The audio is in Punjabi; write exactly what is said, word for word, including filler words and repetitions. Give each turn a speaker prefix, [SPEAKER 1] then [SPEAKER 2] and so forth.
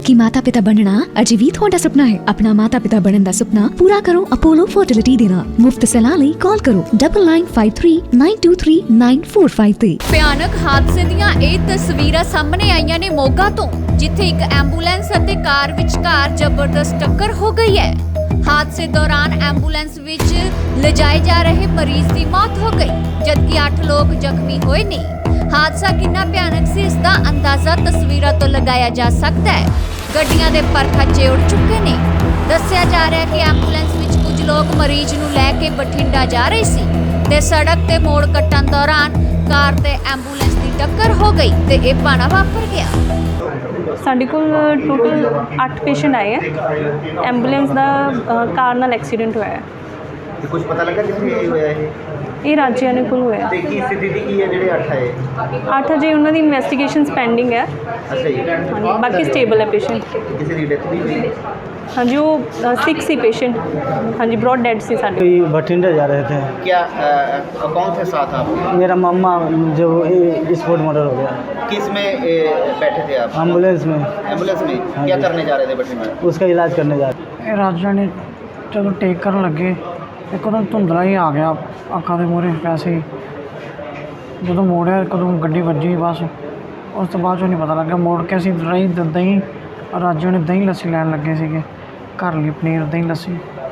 [SPEAKER 1] कि माता पिता बनना अजे भी तुहाडा सुपना है? अपना माता पिता बनने का सुपना पूरा करो अपोलो फर्टिलिटी दे नाल। मुफ्त सलाह लई कॉल करो double nine five three nine two three nine four five ते।
[SPEAKER 2] ਭਿਆਨਕ ਹਾਦਸੇ ਦੀਆਂ ਇਹ ਤਸਵੀਰਾਂ ਸਾਹਮਣੇ ਆਈਆਂ ਨੇ ਮੋਗਾ ਤੋਂ, ਜਿੱਥੇ ਇੱਕ ਐਂਬੂਲੈਂਸ ਅਤੇ ਕਾਰ ਵਿਚਕਾਰ ਜ਼ਬਰਦਸਤ ਟੱਕਰ ਹੋ ਗਈ ਹੈ। ਹਾਦਸੇ ਦੌਰਾਨ ਐਂਬੂਲੈਂਸ ਵਿੱਚ ਲਿਜਾਏ ਜਾ ਰਹੇ ਮਰੀਜ਼ ਦੀ ਮੌਤ ਹੋ ਗਈ, ਜਦਕਿ ਅੱਠ ਲੋਕ ਜ਼ਖਮੀ ਹੋਏ ਨੇ। ਹਾਦਸਾ ਕਿੰਨਾ ਭਿਆਨਕ ਸੀ ਇਸ ਦਾ ਅੰਦਾਜ਼ਾ ਤਸਵੀਰਾਂ ਤੋਂ ਲਗਾਇਆ ਜਾ ਸਕਦਾ ਹੈ। ਗੱਡੀਆਂ ਦੇ ਪਰ ਖੱਚੇ ਉੱਡ ਚੁੱਕੇ ਨੇ। ਦੱਸਿਆ ਜਾ ਰਿਹਾ ਹੈ ਕਿ ਐਂਬੂਲੈਂਸ ਵਿੱਚ ਕੁਝ ਲੋਕ ਮਰੀਜ਼ ਨੂੰ ਲੈ ਕੇ ਬਠਿੰਡਾ ਜਾ ਰਹੇ ਸੀ ਤੇ ਸੜਕ ਤੇ ਮੋੜ ਕੱਟਣ ਦੌਰਾਨ ਕਾਰ ਤੇ ਐਂਬੂਲੈਂਸ ਦੀ ਟੱਕਰ ਹੋ ਗਈ ਤੇ ਇਹ ਭਾਣਾ ਵਾਪਰ ਗਿਆ।
[SPEAKER 3] ਸਾਡੇ ਕੋਲ ਟੋਟਲ ਅੱਠ ਪੇਸ਼ੈਂਟ ਆਏ ਹੈ। ਐਂਬੂਲੈਂਸ ਦਾ ਅ, ਕਾਰ ਨਾਲ ਐਕਸੀਡੈਂਟ ਹੋਇਆ ਹੈ।
[SPEAKER 4] ਤੇ ਕੁਝ ਪਤਾ ਲੱਗਾ ਕਿੱਥੇ ਇਹ ਹੋਇਆ ਇਹ
[SPEAKER 3] ਇਹ ਰਾਜਿਆਂ ਕੋਲ ਹੋਇਆ।
[SPEAKER 4] ਤੇ ਕੀ ਸਥਿਤੀ ਕੀ ਹੈ ਜਿਹੜੇ ਅੱਠ ਆਏ?
[SPEAKER 3] ਅੱਠ ਅਜੇ ਉਹਨਾਂ ਦੀ ਇਨਵੈਸਟੀਗੇਸ਼ਨਸ ਪੈਂਡਿੰਗ ਹੈ।
[SPEAKER 4] ਅੱਛਾ ਜੀ,
[SPEAKER 3] ਹਾਂਜੀ, ਬਾਕੀ ਸਟੇਬਲ ਹੈ ਪੇਸ਼ੈਂਟ।
[SPEAKER 4] ਕਿਸੇ ਦੀ ਡੈਥ ਨਹੀਂ ਹੋਈ?
[SPEAKER 3] ਹਾਂਜੀ, ਉਹ सिक्स ਸੀ पेशेंट। ਹਾਂਜੀ, ब्रॉड डेड से साढ़े
[SPEAKER 5] कोई भटिंडा जा रहे थे।
[SPEAKER 4] क्या अ, कौन थे साथ आप?
[SPEAKER 5] मेरा मामा जो स्पोर्ट मर्डर हो गया।
[SPEAKER 4] किस में ए, बैठे थे आप?
[SPEAKER 5] एम्बुलेंस में।
[SPEAKER 4] एम्बुलेंस में
[SPEAKER 5] हाँ
[SPEAKER 4] क्या
[SPEAKER 5] जी।
[SPEAKER 4] करने जा रहे थे बठिंडा?
[SPEAKER 5] उसका इलाज करने जा रहे।
[SPEAKER 6] ਰਾਜਾ ਨੇ ਜਦੋਂ ਟੇਕ ਕਰਨ ਲੱਗੇ ਇੱਕਦਮ ਧੁੰਦਲਾ ਹੀ ਆ ਗਿਆ ਅੱਖਾਂ ਦੇ ਮੂਹਰੇ ਵੈਸੇ ਹੀ। ਜਦੋਂ ਮੋੜਿਆ ਕਦੋਂ ਗੱਡੀ ਵੱਜੀ, ਬਸ ਉਸ ਤੋਂ ਬਾਅਦ 'ਚੋਂ ਨਹੀਂ ਪਤਾ ਲੱਗਾ। ਮੋੜ ਕੇ ਅਸੀਂ ਦਹੀਂ ਦਹੀਂ ਰਾਜਾ ਨੇ ਦਹੀਂ ਲੱਸੀ ਲੈਣ ਲੱਗੇ ਸੀਗੇ ਘਰ ਲਈ, ਪਨੀਰ ਦਹੀਂ ਲੱਸੀ।